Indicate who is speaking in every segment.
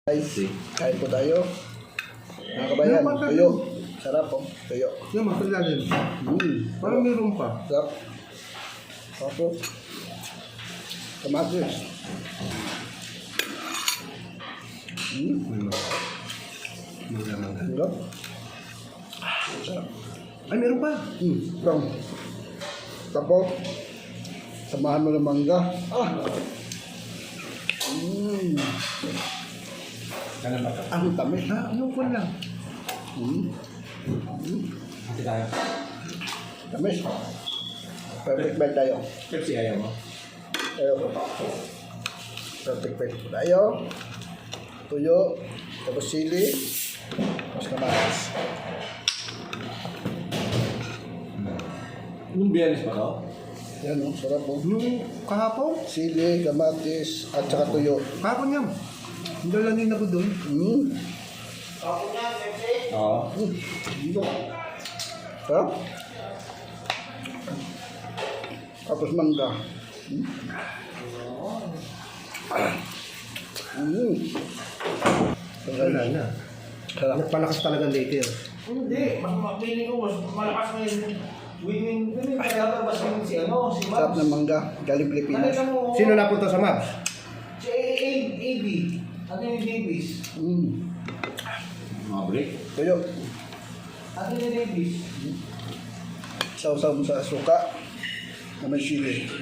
Speaker 1: Guys, kain po tayo. Mga kabayan, tuyo. Sarap po, tuyo.
Speaker 2: Yung matulalim. Parang meron pa.
Speaker 1: Sarap. Tapos, kamatis. Sarap. Sarap.
Speaker 2: Ay, meron pa.
Speaker 1: Bang. Tapos, samahan mo ng mangga. Ang tamis.
Speaker 2: Anong ko lang?
Speaker 3: Hindi tayo.
Speaker 1: Tamis. Perfect bite tayo.
Speaker 3: Pepsi ayaw mo?
Speaker 1: Ayaw ko. Perfect bite tayo. Tuyo. Tapos sili. Tapos kamatis.
Speaker 3: Yung Biyernes pa to?
Speaker 1: Yan o, sarap po.
Speaker 2: Yung kahapon?
Speaker 1: Sili, kamatis, at saka tuyo.
Speaker 2: Kahapon yan. Dalanin ako doon.
Speaker 3: Oo.
Speaker 1: Sarap. Tapos mangga.
Speaker 2: Wala na.
Speaker 1: Sarap.
Speaker 2: Nagpalakas talaga later.
Speaker 4: Hindi, feeling ko mas malakas na yung winning kaya mas winning si si
Speaker 1: Sarap
Speaker 4: Mabs.
Speaker 1: ng mangga. Galing Pilipinas.
Speaker 4: Nakita mo,
Speaker 2: Sino napunta sa Mavs?
Speaker 4: si AB, Anthony Davis.
Speaker 3: Mga break.
Speaker 1: Tuyo.
Speaker 4: Anthony Davis.
Speaker 1: Sausaw mo sa suka na may sili.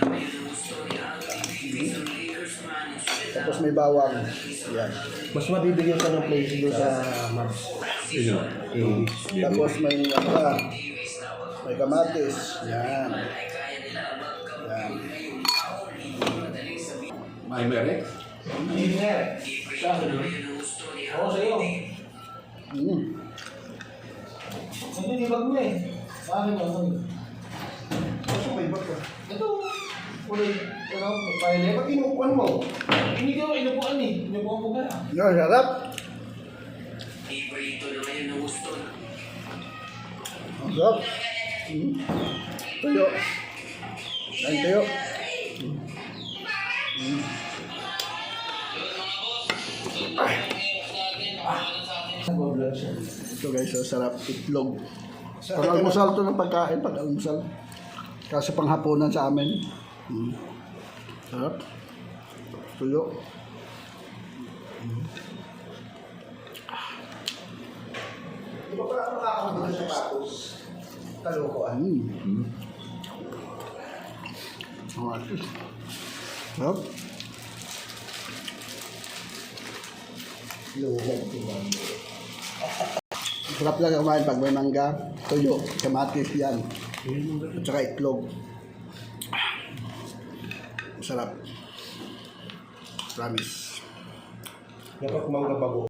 Speaker 1: Tapos may bawang. Yan.
Speaker 2: Mas mabibigyan ka ng place doon sa Mavs.
Speaker 3: Sino?
Speaker 1: Tapos may may kamatis. Yan. Yan.
Speaker 3: May merek?
Speaker 4: Engineer. Siya. Oo, sa'yo. Hindi, ibag mo eh. Bakit mo?
Speaker 1: Gusto may iba ka.
Speaker 4: Ito. Ulit. Pahili.
Speaker 2: Ba't inuupuan mo?
Speaker 4: Hindi ko inupuan eh. Inupuan ko kaya.
Speaker 1: Yan, sarap. Ang sarap. Tuyo. Yan, tuyo. Ito guys, so sarap. Itlog. Pag-almusal to ng pagkain, pag-almusal. Kasi panghapunan sa amin. Sarap. Tuyo.
Speaker 2: Di ba parang makakakuha sa sapatos? Kalokohan.
Speaker 1: Sarap. Sarap lang kumain pag may mangga, tuyo, kamatis yan. At saka itlog. Sarap. Promise.
Speaker 2: Dapat mangga bago.